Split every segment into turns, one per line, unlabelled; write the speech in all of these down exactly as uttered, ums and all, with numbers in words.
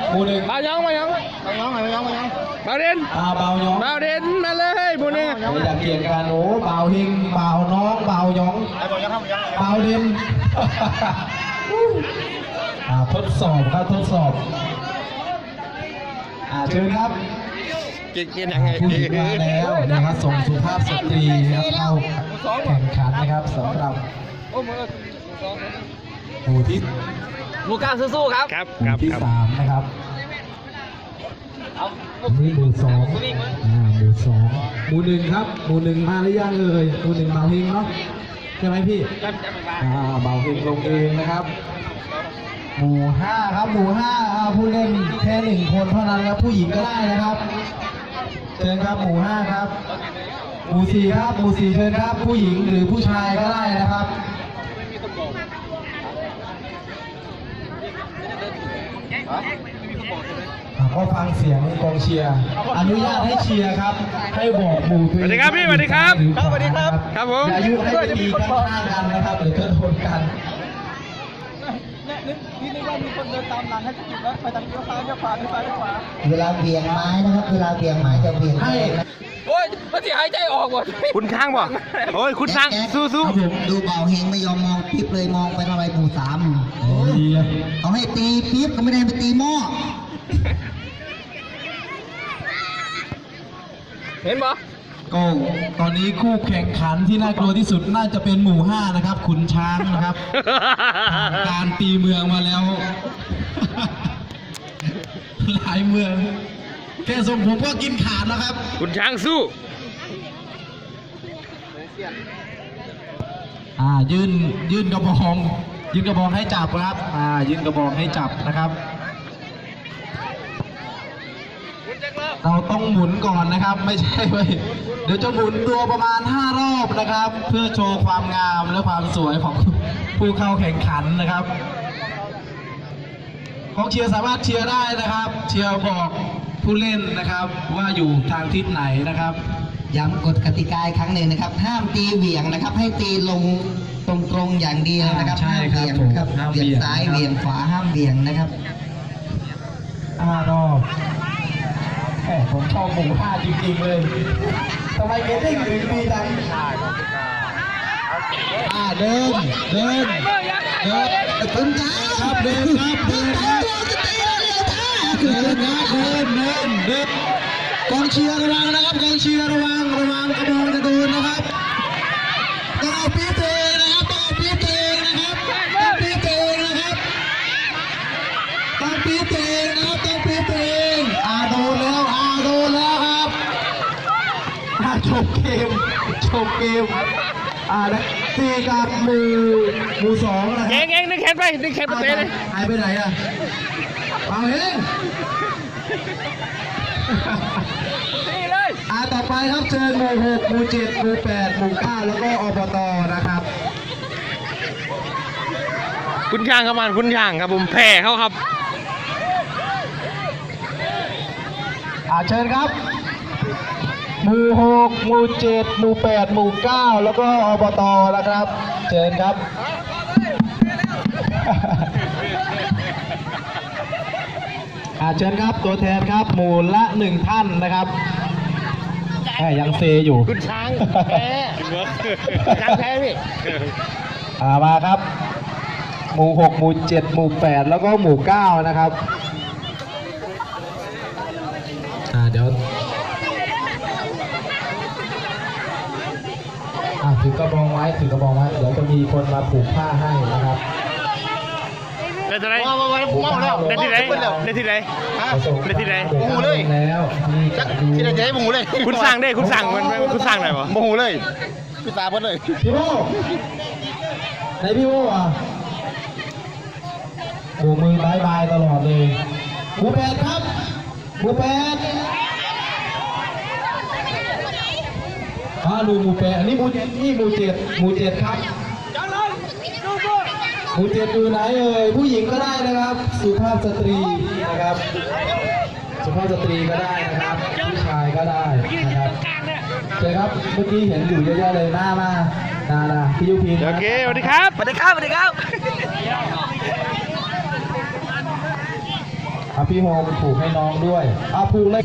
หมู่หนึ่ง
เบาหยองเบาหยอง
ไปย้องไปย้องไปย้อง
เบาเด่น
อ่าเบาหยอง
เบาเด่นมาเลยหมู่หนึ่ง
ไม่อยากเกี่ยงกันโอ้เบาหิงเบาน้องเบาหยอง
ไอ้บอลย้องย้อง
เบาเด่น อ่าทดสอบครับทดสอบอ่าเชิญครับ
เก่งๆยังไง
ผู้หญิงมาแล้วนะครับส่งสุภาพสตรีนะครับเข้าแข่งขันนะครับสำหรับหมู่ที่
หมูกลางสู้ๆครับ
ครับ
ห
ค
มู่
รับ
ที่
ครับ
สามนะครับนี่หมู่สองอ่าหมู่สองหมู่หนึ่งครับหมู่หนึ่งมาหรือยังเอ่ยหมู่หนึ่งเบาเฮงเนาะใช่ไหมพี่อ่าเบาเฮงลงเองนะครับ หมู่ห้าครับหมู่ห้าอ่าผู้เล่นแค่หนึ่งคนเท่านั้นครับผู้หญิงก็ได้นะครับเชิญครับหมู่ห้าครับหมู่สี่ครับหมู่สี่เชิญครับผู้หญิงหรือผู้ชายก็ได้นะครับอ่าก็ฟังเสียงกองเชียร์อนุญาตให้เชียร์ครับให้บอกหมู่ตัวเอง
สวัสดีครับพี่สวัสดีครับ
หอขวานะครับ
ครับผม
อย่ายุให้ไปตีกันข้างกันนะครับเดี๋ยวจะโดนกัน
นึกนี่นึกว่ามีคนเดินตามหลังให้กินแล้วไปทางเลี้ยวซ้ายเลี้ยวขวาเลี้ยวซ้ายเลี้ยวขวา
เวลาเบี่ยงไม้นะครับ เวลาเบี่ยงไม้จะเบี่ยง
ให้
โอ้ยมันสิหายใจออกหมด
คุณช้างบ่โอ้ยคุณช้างสู้
ครับผมดูเบาเฮงไม่ยอมมองปิ๊บเลยมองไปทำไมหมู่สาม
ดีเลย
เอาให้ตีปิ๊บก็ไม่ได้ไปตีหม้อ
เห็นปะ
ก็ตอนนี้คู่แข่งขันที่น่ากลัวที่สุดน่าจะเป็นหมู่ห้านะครับขุนช้างนะครับ
ๆ
การตีเมืองมาแล้ว หลายเมืองแค่ทรงผมก็กินขาดแล้วครับ
คุณช้างสู้
อ่ายื่นยื่นกระบองยื่นกระบองให้จับครับอ่ายื่นกระบองให้จับนะครับ เราต้องหมุนก่อนนะครับ ไม่ใช่เว้ยเดี๋ยวจะหมุนตัวประมาณห้ารอบนะครับ เพื่อโชว์ความงามและความสวยของผู้เข้าแข่งขันนะครับกองเชียร์สามารถเชียร์ได้นะครับ เชียร์บอกผู้เล่นนะครับ ว่าอยู่ทางทิศไหนนะครับ
ย้ำกฎกติกาอีกครั้งหนึ่งนะครับ ห้ามตีเหวี่ยงนะครับ ให้ตีลงตรงๆอย่างเดียวนะครับ
ใช่ครับ
ห้ามเบี่ยงครับ
ผมห้าม
เบี่ยง
เบี่ยง
ซ้าย
นะครับ
เบี่ยงขวาห้ามเบี่ยงนะครับ
ห้ารอบแหมผมชอบหมู่ห้าจริงๆเลยทำไมเกตติ้งถึงดีจังอ่าเดินเดินเดิน
คุณจ้า
ครับเดินครับเดินครับเดินครับเดินเดินเดินกองเชียร์ระวังนะครับกองเชียร์ระวังระวังกระบองจะโดนนะครับต้องเอาปี๊บตัวเองนะครับต้องเอาปี๊บตัวเองนะครับต้องปี๊บตัวเองนะครับต้องปี๊บตัวเองนะครับต้องปี๊บตัวเองอ่าโดนแล้วอ่าโดนแล้วครับอ่าจบเกมจบเกมอ่านะตีกับหมู่หมู่สองนะค
เอ
รับ
งเองนึกแขนไปนึกแขนไปเตะเลย
หายไปไหนอ่ะเอาเอง
นี่เลย
อ่าต่อไปครับเชิญหมู่หกหมู่เจ็ดหมู่แปดหมู่เก้าแล้วก็อบตนะครับ
คุณช้างครับมันคุณช้างครับผมแพ้เขาครับ
อ่าเชิญครับหมู่หกหมู่เจ็ดหมู่แปดหมู่เก้าแล้วก็อบตนะครับ เชิญครับ อ่าเชิญครับตัวแทนครับหมู่ละหนึ่งท่านนะครับแหมยังเซอยู่
คุณช้างแพ้ช้างแพ้พี่
อ่ามาครับ หมู่หกหมู่เจ็ดหมู่แปดแล้วก็หมู่เก้านะครับอ่าเดี๋ยวอ่าถือกระบองไว้ถือกระบองไว้เดี๋ยวจะมีคนมาผูกผ้าให้นะครับ
ได้ที่ไหน
ว้าวว้าวว้าวแล้ว
ได้ที่ไหน
แล้ว
ได้ที่ไหน ได้ที่ไหน
หมูเลยแล้วนี่
จักที่ไหนจะให้หมูเลย
คุณสั่งได้คุณสั่งมันมันคุณสั่งหน่อยวะ
โมโหเลยพี่ตาเพิ่นเลย
พี่โบไหนพี่โบอ่ะโบกมือบายบายตลอดเลยหมูแปดครับหมูแปดอ่าดูหมูแปดอันนี้หมูนี่หมูเจ็ดหมูเจ็ดครับหมูเจ็ดอยู่ไหนเอ่ยผู้หญิงก็ได้นะครับ สุภาพสตรีนะครับ สุภาพสตรีก็ได้นะครับผู้ชายก็ได้นะครับเชิญครับเมื่อกี้เห็นอยู่เยอะๆเลยหน้ามาหน้านะพี่ยุพิน
โอเคสวัสดีครับ
สวัสดีครับสวัสดีครับ
ครับ
พี่โฮมผูกให้น้องด้วยอ่าผูกเลย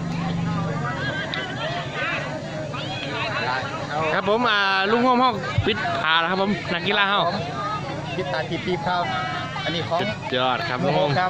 ครับผมอ่าลุงห้องห้องปิดผาแล้วครับผมนักกีฬาเฮา
พิตาทีปีครับ อันนี้ของ
สุดยอดครับลุงห้อง
ครับ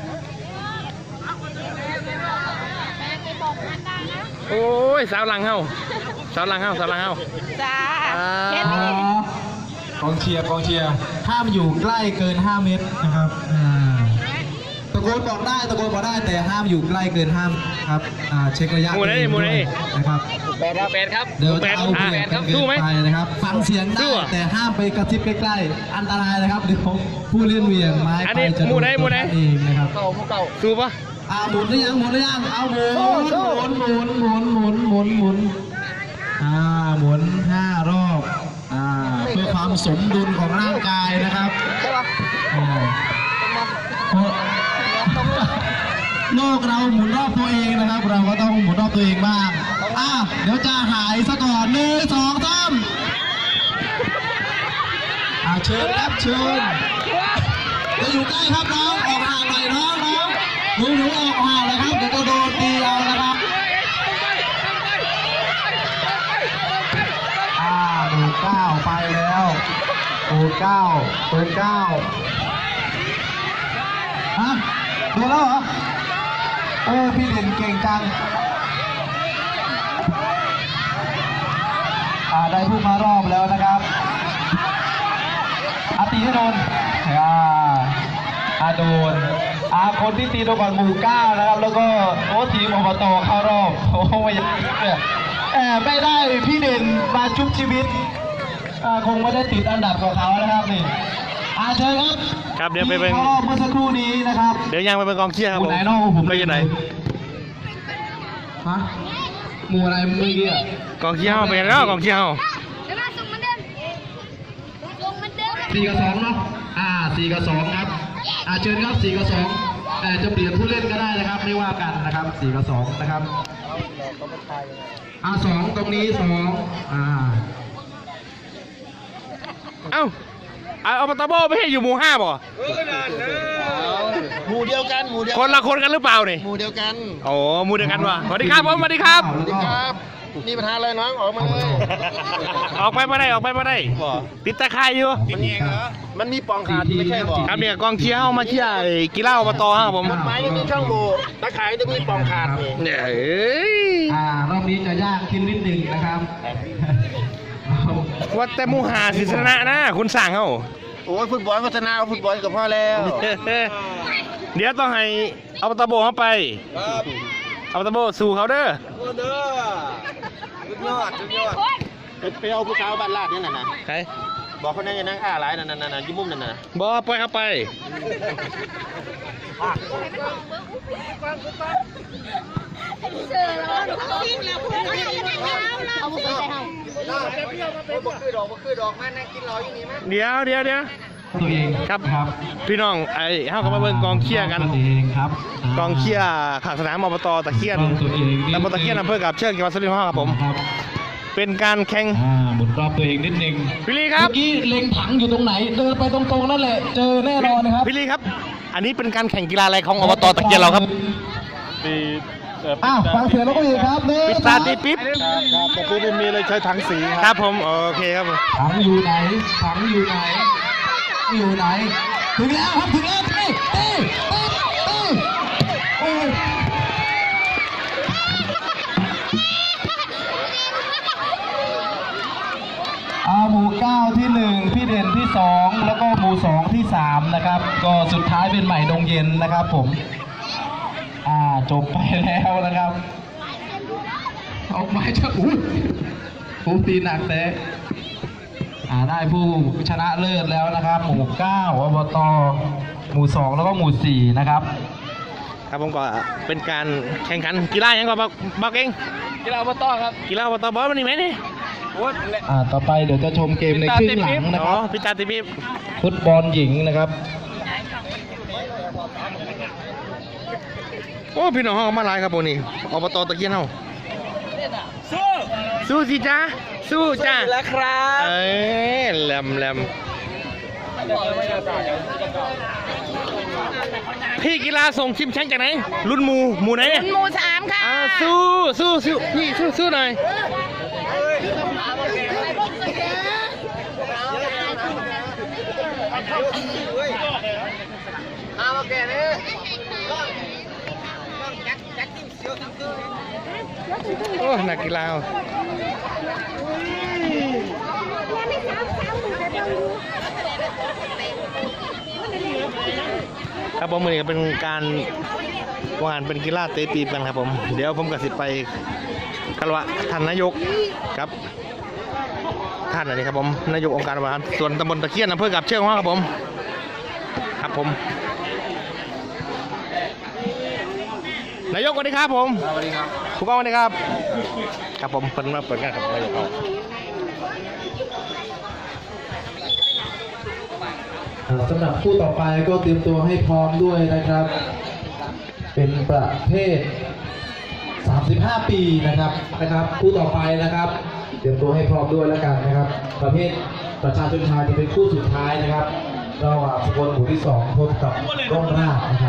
โอ้ยสาวหลังเฮาสาวหลังเฮาสาวหลังเฮา
จ้า
อ่า
เห็นไหม
กองเชียร์กองเชียร์ห้ามอยู่ใกล้เกินห้าเมตรนะครับอ่าตะโกนบอกได้ตะโกนบอกได้แต่ห้ามอยู่ใกล้เกินห้ามครับอ่าเช็คระยะ
หมูได้หมูได้
นะครับ
แปดครับแปดครับ
เดี๋ยวจะเอาเปรียบกันเกิ
สู้
น
ไหม
ไปนะครับฟังเสียง
สู้
ได้
อะ
แต่ห้ามไปกระซิบใกล้ๆอันตรายนะครับเดี๋ยวผู้เล่นเหวี่ยงไม้
อัน
ไป
นี้
จะ
ห
โด
มู
น
ได้หมู
ตัว
ได้
ท่านเองนะครับ
เก่าหมูเก่า
สู้ปะ
อ่าหมุนหรือยังหมุนหรือยังเอาหมุนหมุนหมุนหมุนหมุนหมุนหมุนอ่าหมุนห้ารอบอ่าเพื่อความสมดุลของร่างกายนะครับ
ใช่ปะ
อ่าเพราะโลกเราหมุนรอบตัวเองนะครับ เราก็ต้องหมุนรอบตัวเองบ้างอ่าเดี๋ยวจะหายซะก่อนหนึ่งสองสามอ่าเชิญครับเชิญจะอยู่ใกล้ครับน้องออกห่างหน่อยน้องน้องหนูหนูออกห่างเลยครับเดี๋ยวจะโดนตีเอานะครับอ่าหมู่เก้าไปแล้วหมู่เก้าเปิดเก้าฮะโดนแล้วเหรอโอ้พี่เด่นเก่งจังอ่าได้ผู้มารอบแล้วนะครับอาตีให้โดนอ่าอาโดนอาคนที่ตีโดนก่อนหมู่เก้านะครับแล้วก็โอ้ทีมอบตเข้ารอบโอ้ไม่อยากเนี่ยแอบไม่ได้พี่เด่นมาชุบชีวิตอ่าคงไม่ได้ติดอันดับของเขานะครับนี่อาเชิญครับ
ครับเดี๋ยวไปเป็น
ที่เข้ารอบเมื่อสักครู่นี้นะครับ
เดี๋ยวยังไปเป็นกองเชียร์ครับ
ห
ผ
มู่
ม
ไหนเนอกผม
ไปยังไง
ฮะหมู่อะไรเมื่อกี้อะ
กองเชียร์เฮาไปแล้วกองเชียร์เฮา
เดี๋ยวมาส่งมันเดิมส่งมันเดิม
สี่กับสองเนาะอ่าสี่กับสองครับอ่าเชิญครับสี่กับสองแต่จะเปลี่ยนผู้เล่นก็ได้นะครับ ไม่ว่ากันนะครับสี่กับสองนะครับอ่าสองตรงนี้สองอ่า
เอ้าเอาเอาปตาโบไม่ให้อยู่หมู่ห้าบ่
หมู่เดียวกันหมู่เดียว
คนละคนกันหรือเปล่านี่
หมู่เดียวกัน
โอ้หมู่เดียวกันวะสวัสดีครับผมสวัสดีครับ
แล้วก็
ครับนี่ปัญหาอะไรน้องออกมาเลย
ออกไปมาได้ออกไปมาได้ติดตะไคร้อยู่
มันมีปองขาดไม่ใช่บ่
ครับเนี่ยกองเชียร์เฮามาเชียร์ไอ้กีฬาอบตครับผม
ไม้ยังมีช่องโหว่ตะไคร้จะมีปองขาดนี่
เนี่ยเอ้ย
อ่ารอบนี้จะยากขึ้นนิดนึงนะครับ
ว่าแต่หมูหาศิษนะนะคุณสั่งเฮา
โอ้ยฟุตบอลพัฒนาเอาฟุตบอลกับพ่อแล้ว
เดี๋ยวต้องให้เอาปตาโบเข้าไปเอาปตาโบสู่เขาเด้อ
โอ้เด้อสุดยอดสุดยอดไปเอาผู้สาวบ้านลาดนี่น่ะนะ
ใคร
บอกคนนั้นอย่านั่งอ้าหลายนั่นนั่นนั่นยิ้มมุมนั่นน่ะ
บอปล่อยเข้าไป
เจอแล้วหนูก็วิ่งแล้วคุณเอาเอาบุกไปเฮา
บ่คือดอกบ่คือดอกมานั่งกินรออยู่นี่มั้ย
เดี๋ยวเดี๋ยวเดี๋ยว
ตัวเอง
ครับ
ครับ
พี่น้องไอ้เฮาก็มาเบิ่งกองเชียร์กัน
ตัวเองครับ
กองเชียร์ขางสนามอบตตะเคียน
ตัวเอง
ตำบลตะเคียนอำเภอกับเชือกจังหวัดสุรินทร์ครับผม
ครับ
เป็นการแข่ง
อ่าหมุนรอบตัวเองนิดนึง
พี่ลีครับ
เมื่อกี้เล็งถังอยู่ตรงไหน เดินไปตรงๆนั่นแหละ เจอแน่นอนนะครับ
พี่ลีครับ อันนี้เป็นการแข่งกีฬาอะไรของอบตตะเคียนเราครับ
อ้าวฟังเสียงแล้วก็อีกครับหนึ่ง
ปิดตาตีปิ๊บ
ครับแต่พี่ไม่มีเลยใช้ถังสี
ครับผมโอเคครับผม
ถังอยู่ไหนถังอยู่ไหน อยู่ไหน ถึงแล้วครับถึงแล้วตีตีตีตีโอ้ยอาหมู่เก้าที่หนึ่งพี่เด่นที่สองแล้วก็หมู่สองที่สามนะครับ ก็สุดท้ายเป็นใหม่ดงเย็นนะครับผม อ่าจบไปแล้วนะครับ ออกมาจะอุ้ยผมตีหนักแต่อ่าได้ผู้ชนะเลิศแล้วนะครับ หมู่เก้าอบตหมู่สองแล้วก็หมู่สี่นะครับ
ครับผมก็เป็นการแข่งขันกีฬาอย่างก็บอกบอกเอง
กีฬาอบตครับ
กีฬาอบตบอลมันนี่ไหมนี่
โอ้ย
อ่าต่อไปเดี๋ยวจะชมเกมในครึ่งหลังนะ
อ๋
ค
อ
รับ
พิตาตีปิ๊บ
ฟุตบอลหญิงนะครับ
โอ้พี่น้องเฮามาหลายครับผมนี่อบตตะเคียนเฮา
สู้
สู้สิจ้าสู้จ้า
แล้วครับ
เอ้ยแหลมแหลมพี่กีฬาส่งชิมแชงจากไหนรุ่นหมูหมูไหนเนี่ย
หมูสามค่ะ
อ่าสู้สู้สู้พี่สู้สู้หน่อยโอ้นักกีฬาครับผมมือนี้ก็เป็นการวานเป็นกีฬาเตะปีบกันครับผมเดี๋ยวผมกับสิไปคารวะท่านนายกครับท่านอันนี้ครับผมนายกองค์การบริหารส่วนตำบลตะเคียนอำเภอกับเชือกว่าครับผมครับผมนายกสวัสดีครับผมสวัสดีครับผู้กองสวัสดีครับครับผมเพิ่นมาเปิดงานครับนายกเขา
สำหรับคู่ต่อไปก็เตรียมตัวให้พร้อมด้วยนะครับ เป็นประเภท สามสิบห้า ปีนะครับนะครับคู่ต่อไปนะครับ เตรียมตัวให้พร้อมด้วยแล้วกันนะครับ ประเภทประชาชนชายจะเป็นคู่สุดท้ายนะครับระหว่างสกลหมู่ที่สองพบกับร่มราชนะครับ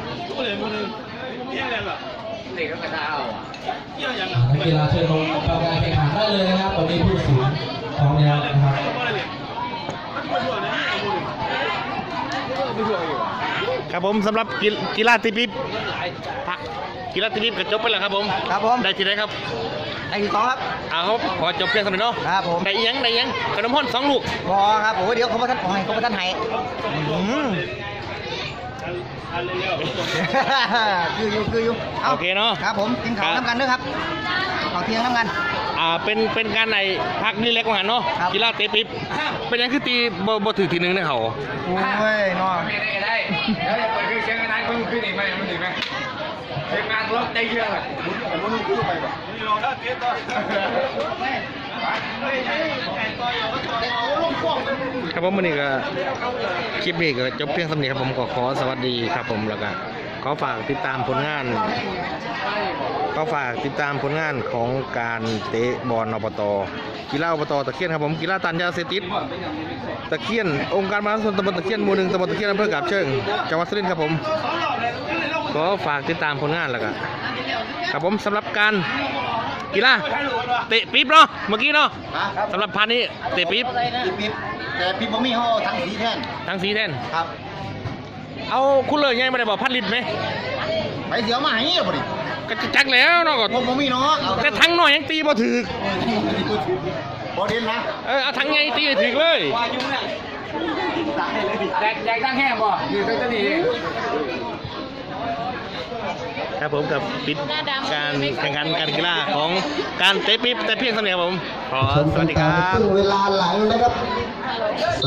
นักกีฬาเชิญลงกำลังแข่งขันได้เลยนะครับตอนนี้ผู้สูงพร้อมแล้วนะครับ
ครับผมสำหรับกีกีฬาตีปี๊บพักกีฬาตีปี๊บก็จบไปแล้วครับผม
ครับผม
ได้ที่ไหนครับ
ไอ้ที่สองครับ
อ่าครับขอจบเพียงเท่านี้เนาะ
ครับผม
ได้อีหยังได้อีหยังขนมห้อนสองลูก
พอครับโอ้ยเดี๋ยวเขาประทันให้เขาประทันให้อืมคืออยู่คืออยู่า
โอเคเนาะ
ครับผมกินข้าวน้ำกันด้วยครับข้าวเที่ยงน้ำกัน
อ่าเป็นเป็นการในพักนี่เล็กกว่าหันเนาะ
ครับ
กีฬาเตะปี๊บเป็นหยังคือตีบ่บ่ถือทีหนึงเนี่ยเขา
โอ้ยน้อง
ได้ได้แล้วจะเปิดเครื่องเสียงกันได้เพิ่มขึ้นอีกไหมมันถึงไหมเสียงงานรถได้เยอะเลยมันมันขึ้นไปแบบนี่ลองได้เตี้ยต่อ
ครับผมวันนี้ก็คลิปนี้ก็จบเพียงเท่านี้ครับผมก็ขอสวัสดีครับผมแล้วก็ขอฝากติดตามผลงานขอฝากติดตามผลงานของการเตะบอลอบตกีฬาอบตตะเคียนครับผมกีฬาตันยาเสพติดตะเคียนองค์การบริหารส่วนตำบลตะเคียนหมู่หนึ่งตำบลตะเคียนอำเภอกาบเชิงจังหวัดสุรินทร์ครับผมขอฝากติดตามผลงานแล้วก็ครับผมสำหรับการกีฬาเตะปี๊บเนาะเมื่อกี้เนาะสำหรับพาร์ทนี้เตะปี๊บ
ปิ๊บแต่ปิ๊บบ่มีห่อทั้งสีแท่น
ทั้งสีแทน
ครับ
เอาคุณเลยไงไม่ได้บอกพันลิตรไหม
ไปเสียวมาให้บ่ดิ
ก็จะจักแล้วเนาะก็
ผมบ่มีเนาะเอา
แต่ทั้งหน่อยยังตีบ่ถึก
บ่เด่นนะ
เออเอาทั้งไงตีให้ถึกเลย
ว่ายุ่งเนี่ยแดกแดกตั้งแห้งบ่อยู่ตั้งแต่นี้
ครับผมกับปิดการแข่งขันการกีฬาของการเตะปี๊บแต่เพียงเท่านี้ครับผมขอสวัสดีครับ
เวลาหลังนะครับ